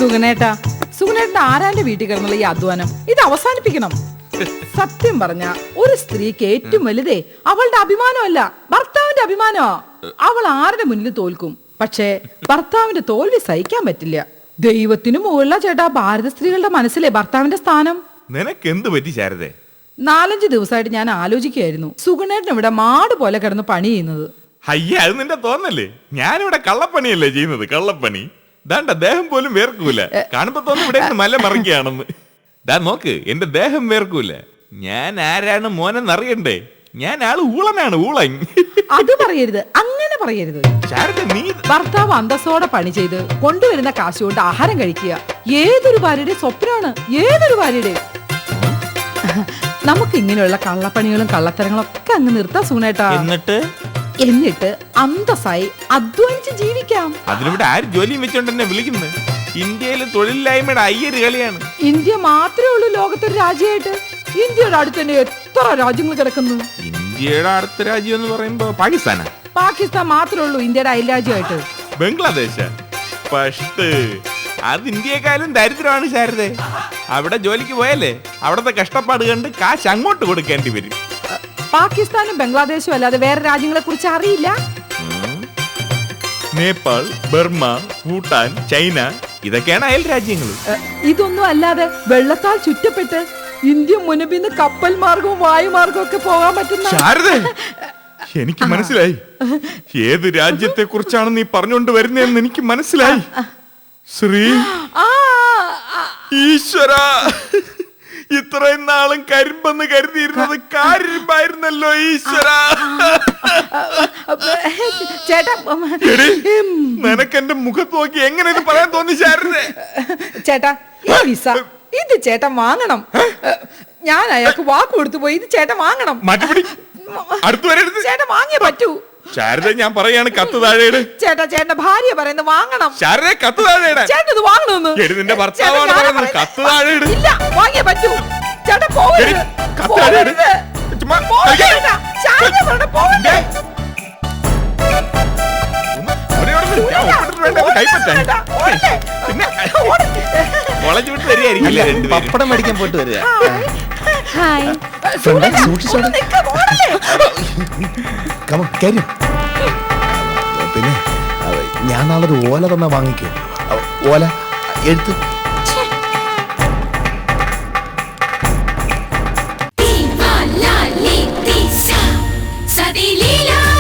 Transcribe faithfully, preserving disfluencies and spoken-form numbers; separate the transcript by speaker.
Speaker 1: സുഗനേട്ടാ, സുഗനേട്ടൻ ആരാന്റെ വീട്ടിൽ കിടന്നുള്ള ഈ അധ്വാനം ഇത് അവസാനിപ്പിക്കണം. സത്യം പറഞ്ഞ ഒരു സ്ത്രീക്ക് ഏറ്റവും വലുതേ അവളുടെ അഭിമാനമല്ല, ഭർത്താവിന്റെ അഭിമാനമാ. അവൾ ആരുടെ മുന്നിൽ തോൽക്കും, പക്ഷേ ഭർത്താവിന്റെ തോൽവി സഹിക്കാൻ പറ്റില്ല. ദൈവത്തിനു മുകളില ചേട്ടാ ഭാരത സ്ത്രീകളുടെ മനസ്സിലെ ഭർത്താവിന്റെ സ്ഥാനം.
Speaker 2: നിനക്ക് എന്ത് പറ്റി ശാരദേ?
Speaker 1: നാലഞ്ച് ദിവസമായിട്ട് ഞാൻ ആലോചിക്കുകയായിരുന്നു, സുഗുണേട്ടൻ ഇവിടെ മാട് പോലെ കിടന്ന് പണി ചെയ്യുന്നത്.
Speaker 2: അയ്യ, അത് നിന്റെ തോന്നല്ലേ? ഞാനിവിടെ കള്ളപ്പണിയല്ലേ ചെയ്യുന്നത്, കള്ളപ്പണി. ദാണ്ട ദേഹം പോലും വേർക്കൂല. കാണുമ്പോ തോന്നുന്നു ഇവിടെ മല മറിക്കുകയാണെന്ന്. ദാ നോക്ക്, എന്റെ ദേഹം വേർക്കൂല. ഞാൻ ആരാണ് മോനെന്നറിയണ്ടേ? ഞാൻ ആള് ഊളനാണ്, ഊളൻ.
Speaker 1: അത് പറയരുത്, അങ്ങനെ പറയരുത്.
Speaker 2: നീ
Speaker 1: ഭർത്താവ് അന്തസ്സോടെ പണി ചെയ്ത് കൊണ്ടുവരുന്ന കാശ് കൊണ്ട് ആഹാരം കഴിക്കുക ഏതൊരു ഭാര്യയുടെ സ്വപ്നമാണ്, ഏതൊരു ഭാര്യയുടെ. നമുക്ക് ഇങ്ങനെയുള്ള കള്ളപ്പണികളും കള്ളത്തരങ്ങളും ഒക്കെ അങ്ങ് നിർത്താം സുഗുണേട്ടാ.
Speaker 2: എന്നിട്ട്
Speaker 1: എന്നിട്ട് അന്തസ്സായി അധ്വാനിച്ച് ജീവിക്കാം.
Speaker 2: അതിനിവിടെ ആര് ജോലിയും വെച്ചോണ്ട് എന്നെ വിളിക്കുന്നത്? ഇന്ത്യയിൽ തൊഴിലില്ലായ്മയുടെ അയ്യര് കളിയാണ്.
Speaker 1: ഇന്ത്യ മാത്രമേ ഉള്ളൂ ലോകത്തൊരു രാജ്യമായിട്ട്. ഇന്ത്യയുടെ അടുത്ത് തന്നെ എത്ര രാജ്യങ്ങൾ കിടക്കുന്നു.
Speaker 2: ഇന്ത്യയുടെ അടുത്ത രാജ്യം എന്ന് പറയുമ്പോ പാകിസ്ഥാനാ?
Speaker 1: പാകിസ്ഥാൻ മാത്രമേ ഉള്ളൂ ഇന്ത്യയുടെ അയൽരാജ്യമായിട്ട്.
Speaker 2: ബംഗ്ലാദേശ് ഫസ്റ്റ്. അത് ഇന്ത്യയെക്കാളും ദരിദ്രമാണ് ശാരദേ. അവിടെ ജോലിക്ക് പോയാലേ അവിടത്തെ കഷ്ടപ്പാട് കണ്ട് കാശ് അങ്ങോട്ട് കൊടുക്കേണ്ടി വരും.
Speaker 1: പാകിസ്ഥാനും ബംഗ്ലാദേശും അല്ലാതെ വേറെ രാജ്യങ്ങളെ കുറിച്ച് അറിയില്ല.
Speaker 2: നേപ്പാൾ, ബർമ, ഭൂട്ടാൻ, ചൈന, ഇതൊക്കെയാണ് അയൽ രാജ്യങ്ങൾ.
Speaker 1: ഇതൊന്നും അല്ലാതെ വെള്ളത്താൽ ചുറ്റപ്പെട്ട് ഇന്ത്യ മുനമ്പിന്ന് കപ്പൽ മാർഗവും വായുമാർഗവും ഒക്കെ പോകാൻ പറ്റുന്ന.
Speaker 2: ശാരദേ, എനിക്ക് മനസ്സിലായി ഏത് രാജ്യത്തെ കുറിച്ചാണ് നീ പറഞ്ഞുകൊണ്ട് വരുന്നതെന്ന്. എനിക്ക് മനസ്സിലായി. ശ്രീ ഈശ്വര, ഇത്രയും നാളും കരിമ്പെന്ന് കരുതിയിരുന്നത് കാരിമ്പായിരുന്നല്ലോ ഈശ്വര.
Speaker 1: ചേട്ടാ,
Speaker 2: നിനക്ക് എന്റെ മുഖത്ത് നോക്കി എങ്ങനെ ഇത് പറയാൻ തോന്നി ശാരദേ?
Speaker 1: ചേട്ടാ, ഈ വിസ ഇത് ചേട്ടൻ വാങ്ങണം. ഞാൻ അയാൾക്ക് വാക്ക് കൊടുത്തു പോയി, ഇത് ചേട്ടൻ വാങ്ങണം.
Speaker 2: മാറ്റിപ്പിടി, അടുത്ത് വരരുത്.
Speaker 1: ചേട്ടൻ വാങ്ങിയേ പറ്റൂ.
Speaker 2: ശാരദ, ഞാൻ പറയാണ്, കത്ത് താഴെയിട്.
Speaker 1: ചേട്ടാ, ചേട്ടന്റെ ഭാര്യ പറയുന്നത് വാങ്ങണം.
Speaker 2: ശാരദ, കത്ത് താഴെയിടാൻ.
Speaker 1: ചേട്ടൻ ഇത് വാങ്ങണമെന്ന്.
Speaker 2: നിന്റെ ഭർത്താവാണ് പറയുന്നത്, കത്ത് താഴെയിട്.
Speaker 1: ഇല്ല, വാങ്ങിയേ പറ്റൂ. ചേട്ടാ പോകരുത്, പോകരുത്.
Speaker 3: പപ്പടം മേടിക്കാൻ പോയിട്ട് വരിക. പിന്നെ ഞാൻ നാളെ ഒരു ഓല തന്നെ വാങ്ങിക്കോ. ഓല എഴുത്ത്.
Speaker 4: Viva la Leticia, sa di lila.